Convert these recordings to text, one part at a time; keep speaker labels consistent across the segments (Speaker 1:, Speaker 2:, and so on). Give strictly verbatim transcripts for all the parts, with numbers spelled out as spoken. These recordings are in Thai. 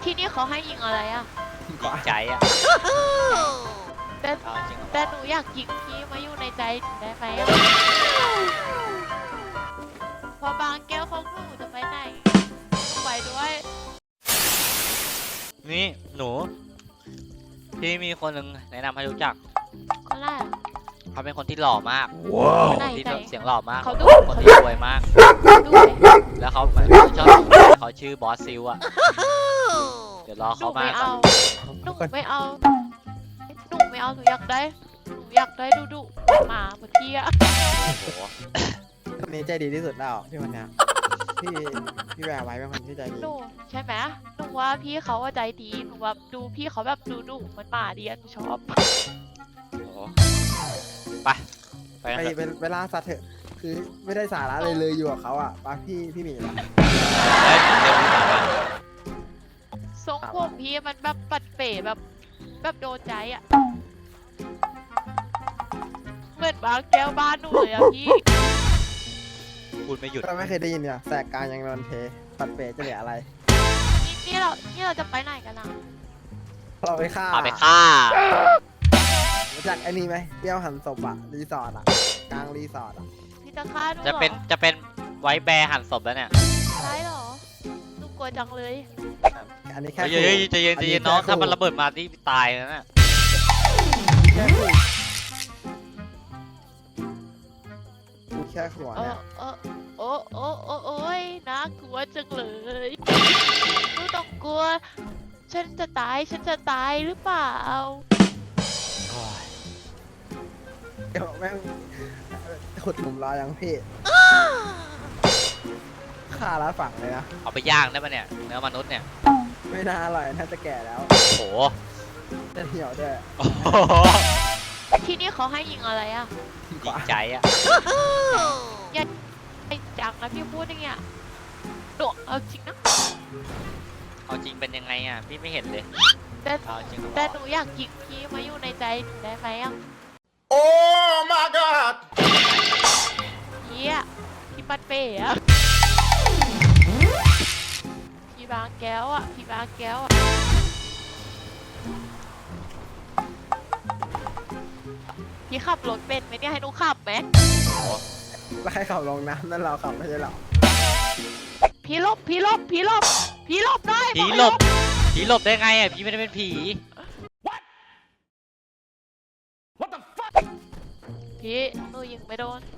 Speaker 1: ที่นี่เขาให้ยิงอะไรอ่ะ
Speaker 2: ยิงใจอ่ะ
Speaker 1: แต่แต่หนูอยากยิงพี่มาอยู่ในใจได้ไหมอ่ะพอบางแก้วของหนูจะไปไหนไปด้วย
Speaker 2: นี่หนูพี่มีคนหนึ่งแนะนำให้รู้จัก
Speaker 1: คนแรก
Speaker 2: เขาเป็นคนที่หล่อมาก
Speaker 1: ไหน
Speaker 2: ที่
Speaker 1: ไหน
Speaker 2: เสียงหล่อมาก
Speaker 1: เขาดู
Speaker 2: คนที่รวยมาก
Speaker 1: ดูไหม
Speaker 2: แล้วเขาชอบเขาชื่อบอสซิลอ่ะเดี๋ยวรอ
Speaker 1: หนู
Speaker 2: เขามา
Speaker 1: ไม่
Speaker 2: ก่อ
Speaker 1: เอา
Speaker 2: น
Speaker 1: หนูไม่เอาหนูไม่เอาหนูอยากได้หนูอยากได้ดูดูหมาเหมือนพี่อะ
Speaker 2: โอ้โห
Speaker 3: คนนี้ใจดีที่สุดแล้วพี่วันเนี้ยพี่พี่แวร์ไว้เป็นคนที่ใจดี
Speaker 1: หนูใช่ไหมหนูว่าพี่เขาว่าใจดีหนูแบบดูพี่เขาแบบดูดูเหมือนหมาดีอะหนูชอบ
Speaker 2: โอ้โหไปไปกัน
Speaker 3: ไป
Speaker 2: เถอะ
Speaker 3: เป็นเวลาสัตว์เถอะคือไม่ได้สาระเลยเลยอยู่กับเขาอ่ะป้าพี่พี่หมีละ
Speaker 2: เฮ้ยเดี๋ยวพี่มามา
Speaker 1: ทรงผมพี่มันแบบปัดเป๋แบบแบบโดนใจอะเหมือนบางแก้วบ้านหนูเลยอะพี่
Speaker 2: พูดไม่หยุด
Speaker 3: เราไม่เคยได้ยินเนี่ยแสกกลางยังนอนเทปัดเปรจะเหลืออะไร
Speaker 1: นี่นี่เรานี่เราจะไปไหนกันนะ
Speaker 3: เราไปฆ่า
Speaker 2: เอาไปฆ่า
Speaker 3: รู้จักไอ้นี่ไหมเปรี้ยวหันศพอะรีสอร์ทอะกลางรีสอร์ทอะ
Speaker 1: พี่จะฆ่าหนูเหร
Speaker 2: จะ
Speaker 1: อ
Speaker 2: เป็นจะเป็นไว้แบร์หั่นศพแล้วเนี่ย
Speaker 1: ใช่เหรอหนูกลัวจังเลย
Speaker 3: อันนี้แค่
Speaker 2: เฮ้ยเฮ้ยใจเย็นใจเย็นน้องถ้ามันระเบิดมาที่ตายแล้วน่ะ
Speaker 3: แค่ขู่กูแค่หัว
Speaker 1: เอ
Speaker 3: เนี่
Speaker 1: อย เออโอ้โอ้โอ้โอ้ยน่ากลัวจังเลยหนูต้องกลัว ฉันจะตายฉันจะตายหรือเปล่า
Speaker 2: โอ้ย
Speaker 3: เดี๋ยวแม่งขุดหลุมรอยังพี่ฆ่าแล้วฝังเลยนะ
Speaker 2: เอาไปย่างได้ปะเนี่ยเนื้อมนุษย์เนี่ย
Speaker 3: ไม่น่าอร่อยน่าจะแก่แล้ว
Speaker 2: โอ้โห
Speaker 3: จะเหี่ยวด้วย
Speaker 2: โอ้โห
Speaker 1: ที่นี่เขาให้ยิงอะไรอ่ะ
Speaker 2: ยิงใจอ่ะ
Speaker 1: อย่าไอ้จังนะพี่พูดอย่างเงี้ยหนูเอาจริงนะ
Speaker 2: เอาจริงเป็นยังไงอ่ะพี่ไม่เห็นเลย
Speaker 1: แต่
Speaker 2: เอาจริงเหรอ
Speaker 1: แต่หนูอยากยิงพี่มาอยู่ในใจหนูได้ไหมอ่ะ
Speaker 4: Oh my God!
Speaker 1: พี่อะพี่ปัดเป๋อะพี่บางแก้วอะพี่บางแก้วอะพี่ขับรถเป็นไหมเนี่ยให้หนูขับไหม
Speaker 3: แล้วใครขับลงน้ำนั่นเราขับไม่ใช่หรอ
Speaker 1: พี่หลบพี่หลบพี่หลบพี่หลบได้
Speaker 2: ผีหลบผีหลบได้ไงอ่ะพี่ไม่ได้เป็นผี
Speaker 1: พี่หนูยิงไม่โดน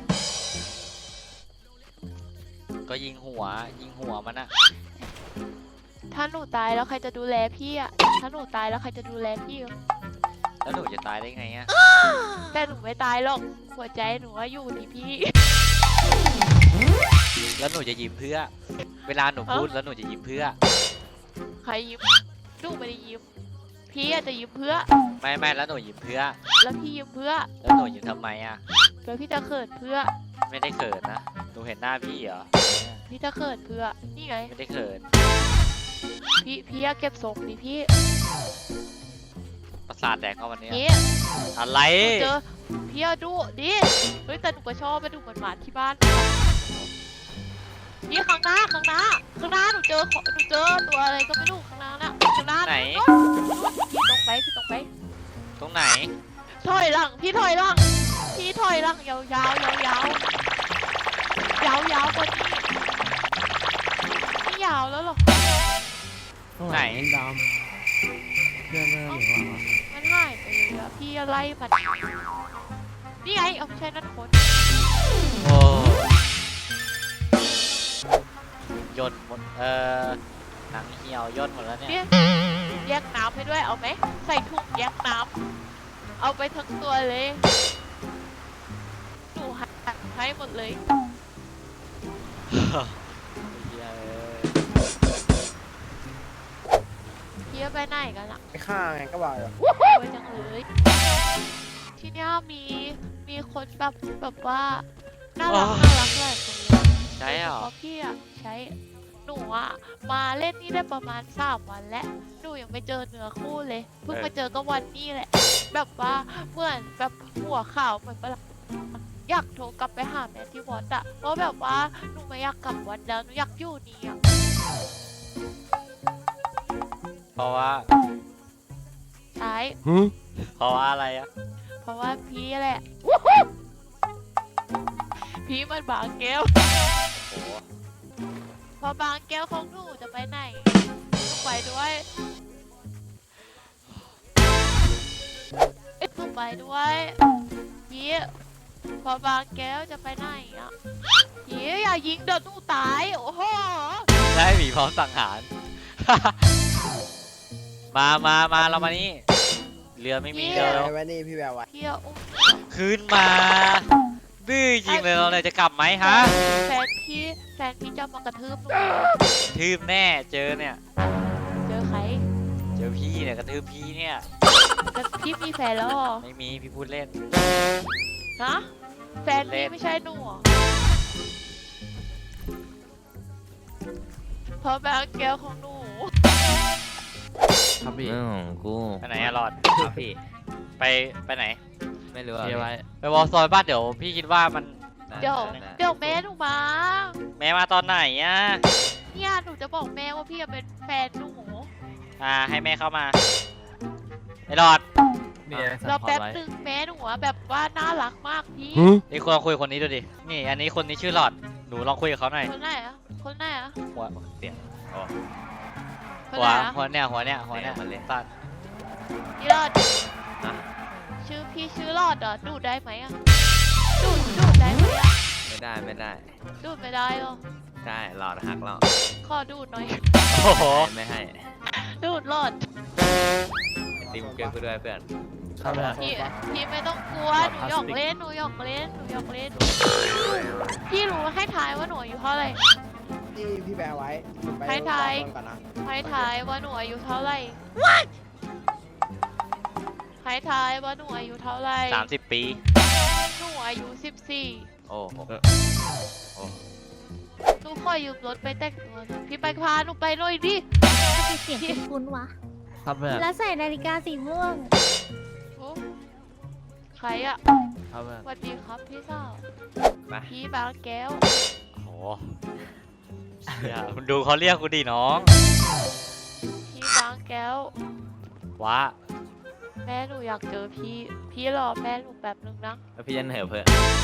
Speaker 2: ก็ยิงหัวยิงหัวมันอะ
Speaker 1: ถ้าหนูตายแล้วใครจะดูแลพี่อะถ้าหนูตายแล้วใครจะดูแลพี่อะ
Speaker 2: แล้วหนูจะตายได้ไงอ่ะ
Speaker 1: แต่หนูไม่ตายหรอกหัวใจหนูว่าอยู่ที่พี่
Speaker 2: แล้วหนูจะยิ้มเพื่อ เวลาหนูพูดแล้วหนูจะยิ้มเพื่อ
Speaker 1: ใครยิ้มหนูไม่ได้ยิ้มพี่อาจจะยิ้มเพื่อ
Speaker 2: ไม่ไม่แล้วหนูยิ้มเพื่อ
Speaker 1: แล้วพี่ยิ้มเพื่อ
Speaker 2: แล้วหนูยิ้มทำไมอ่ะ
Speaker 1: แล้วพี่จะเขินเพื่อ
Speaker 2: ไม่ได้เขินนะหนูเห็นหน้าพี่เหรอ
Speaker 1: พี่จะเขินเพื่อ นี่ไง
Speaker 2: ไม่ได้เขิน
Speaker 1: พี่พี่อะเก็บทรงดิพี่
Speaker 2: ประสาทแดกเข้าวันนี้
Speaker 1: พี่
Speaker 2: อะไร
Speaker 1: หนูเจอพี่อะดูดิเฮ้ยแต่หนูก็ชอบไปดูหวานๆที่บ้านพี่ข้างหน้าข้างหน้าข้างหน้าหนูเจอขอหนูเจอตัวอะไรก็ไม่รู้ข้างหน้าน่ะข้างหน้า
Speaker 2: ไหน
Speaker 1: พี่ตรงไปพี่ตรงไป
Speaker 2: ตรงไหน
Speaker 1: ถอยหลังพี่ถอยหลังพี่ถอยหลังยาวยาวยาวยาวยาวยาวกว่านี้ไม่ยาวแล้วหรอ
Speaker 2: ไหน
Speaker 3: ดำเรื่องเรื่องหรือว่า
Speaker 1: มันหายไปเลยอะพี่อะไรมันนี่ไงเอาไม่ใช่นั่นคน
Speaker 2: โอ้ย่นหมดเอ่อหนังเหี่ยวย่นหมดแล้วเนี่ย
Speaker 1: พี่แยกน้ำให้ด้วยเอาไหมใส่ถุงแยกน้ำเอาไปทั้งตัวเลยหนูหักให้หมดเลย
Speaker 2: เหี้ยเอ้ย
Speaker 1: พี่ไปไหนกันล่ะ
Speaker 3: ไปฆ่าไงก็บอกอยู่
Speaker 1: ไปจังเลยที่เนี้ยมีมีคนแบบแบบว่าน่ารักน่ารักหลายคนเลย
Speaker 2: ใช่เหรอ
Speaker 1: เพราะพี่อะใช้หนูอะมาเล่นนี่ได้ประมาณสามวันแล้วหนูยังไม่เจอเนื้อคู่เลยเพิ่งมาเจอก็วันนี้แหละ แบบว่าเหมือนแบบหัวข่าวเหมือนปะล่ะอยากโทรกลับไปหาแม่ที่วัดอะเพราะแบบว่าหนูไม่อยากกลับวัดแล้วหนูอยากอยู่นี่อะ
Speaker 2: ราะว่า
Speaker 1: ใช่
Speaker 2: เพราะว่าอะไรอะ
Speaker 1: เพราะว่าพี่แหละ พี่มันบางแก้ว
Speaker 2: โอ้โห
Speaker 1: พอบางแก้วของหนูจะไปไหนหนูไปด้วยหนูไปด้วยพี่พอบางแก้วจะไปไหนอ่ะพี่อย่ายิงเดี๋ยวหนูตายโอ้โห
Speaker 2: ได้หมีพร้อมสังหาร มามามาเรามานี่ เรือไม่มี
Speaker 3: พี่
Speaker 2: เรือ
Speaker 3: แว
Speaker 2: แล้ว
Speaker 3: วไว้นี่พี่แววไว้
Speaker 1: พี่อุ้ม
Speaker 2: ขึ้นมาดื้อจริงเลยเราเลยจะกลับไหมฮะ
Speaker 1: แฟนพี่แฟนพี่จะมากระทืบหนู
Speaker 2: ทืบแน่เจอเนี่ย
Speaker 1: เจอใคร
Speaker 2: เจอพี่เนี่ยกระทืบพี่เนี่ย
Speaker 1: แต่พี่มีแฟนแล้วเหรอ
Speaker 2: ไม่มีพี่พูดเล่น
Speaker 1: ฮะแฟนพี่ไม่ใช่หนูเหรอเพราะบางแก้วของหนู
Speaker 5: ครับพี่
Speaker 6: เรื่องของกู
Speaker 2: ไปไหนอะหลอด
Speaker 6: ครับพี่
Speaker 2: ไปไปไหน
Speaker 6: ไม่รู้อะ
Speaker 5: เทียร์ไว้
Speaker 2: ไปวอลซอยบ้านเดี๋ยวพี่คิดว่ามัน
Speaker 1: เดี๋ยว
Speaker 6: ได้
Speaker 1: เดี๋ยวแม่หนูมา
Speaker 2: แม่มาตอนไหนอะ
Speaker 1: เนี่ยหนูจะบอกแม่ว่าพี่เป็นแฟนหนู
Speaker 2: อ่าให้แม่เข้ามาไอ้หลอด
Speaker 5: มีอะไรสั่
Speaker 1: เรา
Speaker 5: งพอ
Speaker 1: แป๊บ
Speaker 5: ไว้
Speaker 1: หนึ่งแม่หนูอะแบบว่าน่ารักมากพี่
Speaker 2: นี่คุณลองคุยกับคนนี้ดูดิ นี่อันนี้คนนี้ชื่อหลอด หนูลองคุยกับเขาหน่อย
Speaker 1: คนไหนอะคนไหนอะ
Speaker 2: หัว
Speaker 6: เสียงโอ้
Speaker 1: คน
Speaker 2: หั
Speaker 1: ไห
Speaker 2: วน
Speaker 1: อะ
Speaker 2: หัวเนี่ยหัวเนี่ยหัวเนี่ย
Speaker 6: เนี่ยมันเล่น
Speaker 2: ตัด
Speaker 1: พี่รอด
Speaker 6: ฮะ
Speaker 1: ชื่อพี่ชื่อรอดเหรอดูดได้ไหมอะดูดดูดได้ไหมอะ
Speaker 6: ไม่ได้ไม่ได้
Speaker 1: ดูดไม่ได้หรอ
Speaker 6: ได้หลอดหักแล้ว
Speaker 1: ขอดูดหน่อย
Speaker 2: โอ้โห
Speaker 6: ไม่ให้
Speaker 1: ดูดรอด
Speaker 6: ไอติมเกินกูด้วยเพื่อน
Speaker 5: ครับพี่
Speaker 1: พี่พี่ไม่ต้องกลัวหนูหยอกเล่นหนูหยอกเล่นหนูหยอกเล่นพี่รู้ให้ทายว่าหนูอายุเท่าไหร่
Speaker 3: พี่พี่แววไว้ผมไป
Speaker 1: ให้ทาย
Speaker 3: รอก่อนนะ
Speaker 1: ให้ทายว่าหนูอายุเท่าไหร่ให้ทายว่าหนูอายุเท่าไหร่
Speaker 2: สามสิบปี
Speaker 1: หนูอายุสิบสี่
Speaker 6: โอ้โหโอ้
Speaker 1: หนูขอยืมรถไปแต่งตัวหน่อยพี่ไปพาหนูไปหน่อยดิ
Speaker 7: ทำไมเสียงคุ้นๆวะ
Speaker 5: ครับเพื่อน
Speaker 7: แล้วใส่นาฬิกาสีม่วง
Speaker 1: โอ้ใครอะ
Speaker 5: ครับเพื่อน
Speaker 1: สวัสดีครับพี่สาว
Speaker 6: ไป
Speaker 1: พี่บางแก้ว
Speaker 2: โอ้โหเชี่ยคุณดูเขาเรียกกูดิน้อง
Speaker 1: พี่บางแก้ว
Speaker 2: ว้า
Speaker 1: แม่หนูอยากเจอพี่ พี่รอแม่หนูแป๊บนึงนะ
Speaker 6: แล้วพี่จะเหนื่อยเพื่อน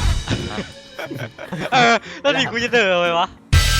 Speaker 2: เออแล้วนี่กูจะเดินไปวะ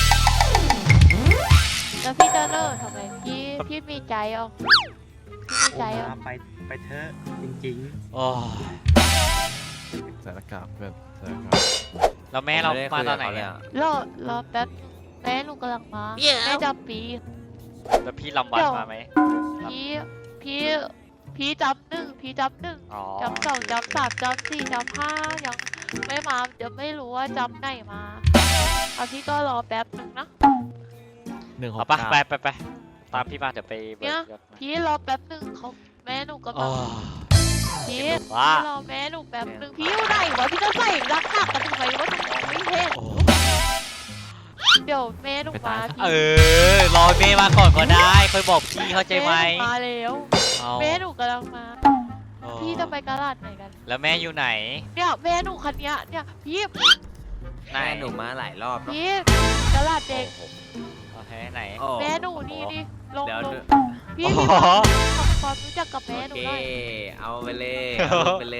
Speaker 1: แล้วพี่จะเลิกทำไมพี่พี่มีใจอ่ะพี่มีใจอ่ะ
Speaker 8: ไปไปเถอะจริง
Speaker 2: โอ้ย
Speaker 5: ใส่หน้ากากเพื่อนใส่หน้ากาก
Speaker 2: แล้วแม่เรา
Speaker 6: ไได้
Speaker 2: มา
Speaker 6: คุย
Speaker 2: ต
Speaker 6: กั
Speaker 2: อบ นไหน
Speaker 6: เขาเลย
Speaker 2: อะ
Speaker 6: อะ
Speaker 1: รอรอแป๊บนึงแม่หนูกำลังมาแม่จำปี
Speaker 2: แล้วพี่ลำวันมาไหม
Speaker 1: พี่พี่พี่จำหนึ่งพี่จำหนึ่ง
Speaker 2: อ๋อ
Speaker 1: จำสองจำสามจำสี่จำห้ายังไม่มาเดี๋ยวไม่รู้ว่าจำไหนมาเอาพี่ก็รอแป๊บนึงนะ
Speaker 5: หนึ่งห
Speaker 2: เอา
Speaker 5: ก
Speaker 2: ปะ
Speaker 5: เก้า
Speaker 2: ไปไปไปตามพี่มาเดี๋ยวไปเบิ
Speaker 1: เนี่
Speaker 2: ก
Speaker 1: ย
Speaker 2: ยศมา
Speaker 1: พี่รอแป๊บนึงเขาแม่หนูกำลั
Speaker 2: โอ้
Speaker 1: งพี่
Speaker 2: ว้า
Speaker 1: พี่รอแม่หนูแป๊บนึงพี่อยู่ไหนวะพี่จะใส่รักหักกันทำไมวะหนูมองไม่เห็น
Speaker 2: โอ้
Speaker 1: เดี๋ยวแม่หนูมาพี่
Speaker 2: เออรอเมย์มาก่อนก็ได้ค่อยบอกพี่เข้าใจไหม
Speaker 1: แนูมาแล้ว
Speaker 2: เอา
Speaker 1: แม่หนูกำลังมา
Speaker 2: โอ้
Speaker 1: พี่จะไปกะลาดไหนกัน
Speaker 2: แล้วแม่อยู่ไหน
Speaker 1: เนี่ยแม่หนูคันเนี้ยเนี่ยพี่
Speaker 2: ไหน
Speaker 6: แม่หนูมาหลายรอบแล้ว
Speaker 1: พี่กะลาดเด็ก
Speaker 6: โอ้โห
Speaker 2: โอเคไหน
Speaker 6: โอ้
Speaker 1: แม่หนูนี่นี่ลง
Speaker 6: เดี๋ยว
Speaker 1: ลง
Speaker 6: ดู
Speaker 1: พี่
Speaker 2: โอ้
Speaker 1: พี่
Speaker 2: โห
Speaker 1: ทำความรู้จักกับ
Speaker 6: โอ
Speaker 1: แม่หนู
Speaker 6: เค
Speaker 1: หน่อย
Speaker 6: เอาไปเลยเอาลงไปเลย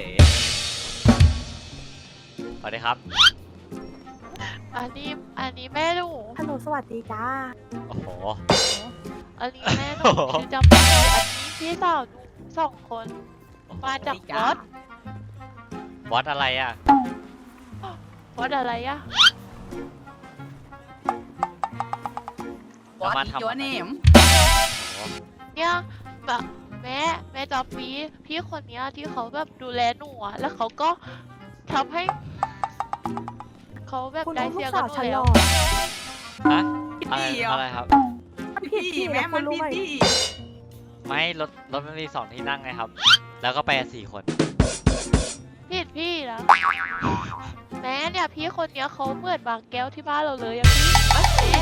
Speaker 2: สวัสดีครับ
Speaker 1: อันนี้อันนี้แม่หนู
Speaker 7: ฮัลโหลสวัสดีจ้า
Speaker 2: โอ้โห
Speaker 1: อันนี้แม่หนู
Speaker 2: โอ้โห
Speaker 1: ชื่อจำปีอันนี้พี่สาวหนูสองคนมาจากวัด
Speaker 2: วัดอะไรอ่ะ
Speaker 1: วัดอะไรอะ
Speaker 2: แล้วมาทำอะไร
Speaker 1: เนี่ยแบบแม่แม่จำปีพี่คนเนี้ยที่เขาแบบดูแลหนูอะแล้วเขาก็ทำให้เขาแบบ
Speaker 7: คุณ
Speaker 1: ได้
Speaker 7: ลูก
Speaker 1: เสีย
Speaker 7: สา
Speaker 1: กัน
Speaker 7: ว
Speaker 1: หม
Speaker 7: ฉั
Speaker 1: ด
Speaker 7: นห
Speaker 1: แล้
Speaker 7: ล่
Speaker 1: ว
Speaker 7: อ
Speaker 2: ฮะอะไรอะไรครับ
Speaker 7: ผิดที่แม่มันผิดที่
Speaker 2: ไม่รถรถมันมีสองที่นั่งไงครับ แล้วก็ไปกันสี่คน
Speaker 1: ผิดพี่นะแม่เนี่ยพี่คนเนี้ยเขาเหมือนบางแก้วที่บ้านเราเลยอะพี่แม่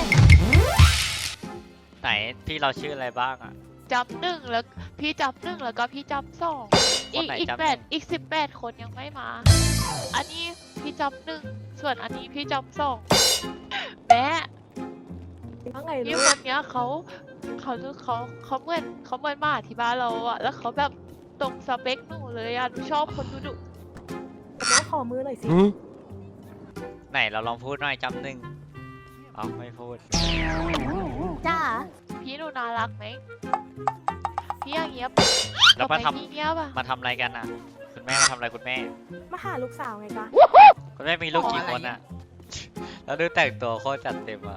Speaker 2: ไหนพี่เราชื่ออะไรบ้างอ่ะ
Speaker 1: จำหนึ่งแล้วพี่จำหนึ่งแล้วก็พี่จำสอง
Speaker 2: ค
Speaker 1: อี
Speaker 2: น
Speaker 1: ก
Speaker 2: ไหน
Speaker 1: อีก
Speaker 2: จำ
Speaker 1: แปด
Speaker 2: หนึ่ง
Speaker 1: อีกสิบแปดคนยังไม่มา อันนี้พี่จำหนึ่งส่วนอันนี้พี่จำสองแม่
Speaker 7: ว่าไง
Speaker 1: พี่
Speaker 7: ลู
Speaker 1: ค
Speaker 7: ก
Speaker 1: นเนี้ยเขาเขาเลือกเขาเขาเหมือนเขาเหมือนหมาที่บ้านเราอะแล้วเขาแบบตรงสเปคหนูเลยอะหนูชอบคนดุดุ
Speaker 7: แต่ว่าขอมือหน่อยสิ
Speaker 2: ไหนเราลองพูดหน่อยจำหนึ่งอ๋อไม่พูด
Speaker 7: จ้า
Speaker 1: พี่หนูน่ารักไหมพี่อย่างเงี้ยบ
Speaker 2: แล้วมาท
Speaker 1: พี่เงี้ยบอะ
Speaker 2: ำมาทำอะไรกันอ่ะ คุณแม่มาทำอะไรคุณแม่
Speaker 7: มาหาลูกสาวไงจ๊ะ
Speaker 2: คุณแม่มีลูกกี่คนอ่ะ แล้วดูแต่งตัวโคตรจัดเต็มอ่ะ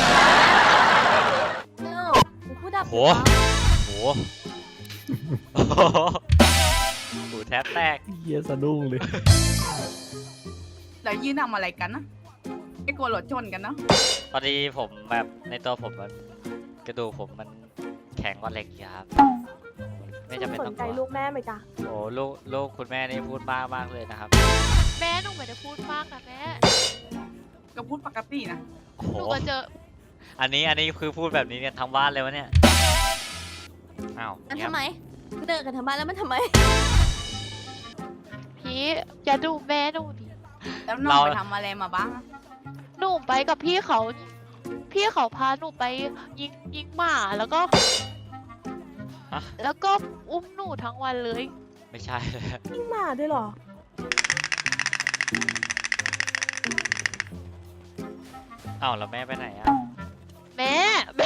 Speaker 7: เอ้าพูดดับ
Speaker 2: โห โหโอ้โหหูแทบแตก
Speaker 5: เฮียสะดุ้งเลย
Speaker 9: แล้วยืนทำอะไรกันนะไม่กลัวรถชนกันเนอะ
Speaker 2: พอดีผมแบบในตัวผมมันกระดูกผมมันแข็งกว่าเหล็กอยางครับไม่จำเป็น
Speaker 7: ส
Speaker 2: ต้อน ง
Speaker 7: ใจ
Speaker 2: กลัว
Speaker 7: ลูกแม่ไหมจ๊ะ
Speaker 2: โอ้ลูกลูกคุณแม่นี่พูดมากมากเลยนะครับ
Speaker 1: แม่หนูไม่ได้พูดมากนะแม่
Speaker 9: ก็พูดปกตินะ
Speaker 2: โอ้โห
Speaker 1: หนูก็เจอ
Speaker 2: อันนี้อันนี้คือพูดแบบนี้กันทั้งบ้านเลยวะเนี่ย อ้าว
Speaker 10: มัน
Speaker 2: เงียบ
Speaker 10: ทำไมเดินกันทำไมแล้วมันทำไม
Speaker 1: พี่อย่าดูแม่หนูดิ
Speaker 9: แล้วน้องไปทำอะไรมาบ้างอะ
Speaker 1: หนูไปกับพี่เขา พี่เขาพาหนูไปยิงยิงหมาแล้วก็
Speaker 2: ฮะ
Speaker 1: แล้วก็อุ้มหนูทั้งวันเลย
Speaker 2: ไม่ใช่เลย
Speaker 7: ยิ่งมาด้วยเหรอ
Speaker 2: อ้าวแล้วแม่ไปไหนอ่ะ
Speaker 1: แม่แม่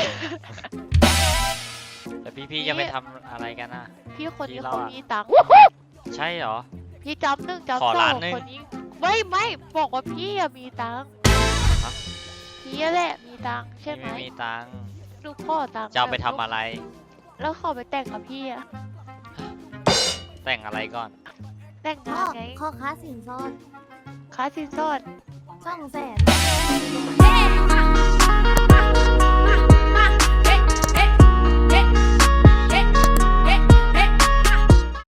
Speaker 2: แต่พี่พี่จะไปทำอะไรกันอ่ะ
Speaker 1: พี่คนนี้
Speaker 2: พี่เรา
Speaker 1: เขา
Speaker 2: อะ
Speaker 1: มีตังค์
Speaker 2: ใช่เหรอ
Speaker 1: พี่จำหนึ่งจำ
Speaker 2: ขอ
Speaker 1: สอ
Speaker 2: ล้าน
Speaker 1: ง
Speaker 2: หนึ่ง
Speaker 1: คนนี้ไม่ไม่บอกว่าพี่อะมีตังค์
Speaker 2: ฮะ
Speaker 1: พี่แหละมีตังค์ใช่
Speaker 2: พี่
Speaker 1: ไหม
Speaker 2: ไม่มีตังค์
Speaker 1: หนูขอตังค์
Speaker 2: จะเอาไป
Speaker 1: แบบ
Speaker 2: ทำอะไร
Speaker 1: แล้วขอไปแต่งกับพี่อะ
Speaker 2: แต่งอะไรก่อน
Speaker 1: แต่ง
Speaker 10: ข้
Speaker 1: งา
Speaker 10: อน
Speaker 1: ไง
Speaker 10: ข้อค้าสินสอด
Speaker 1: ค่าสินสอด
Speaker 10: ช่องแสน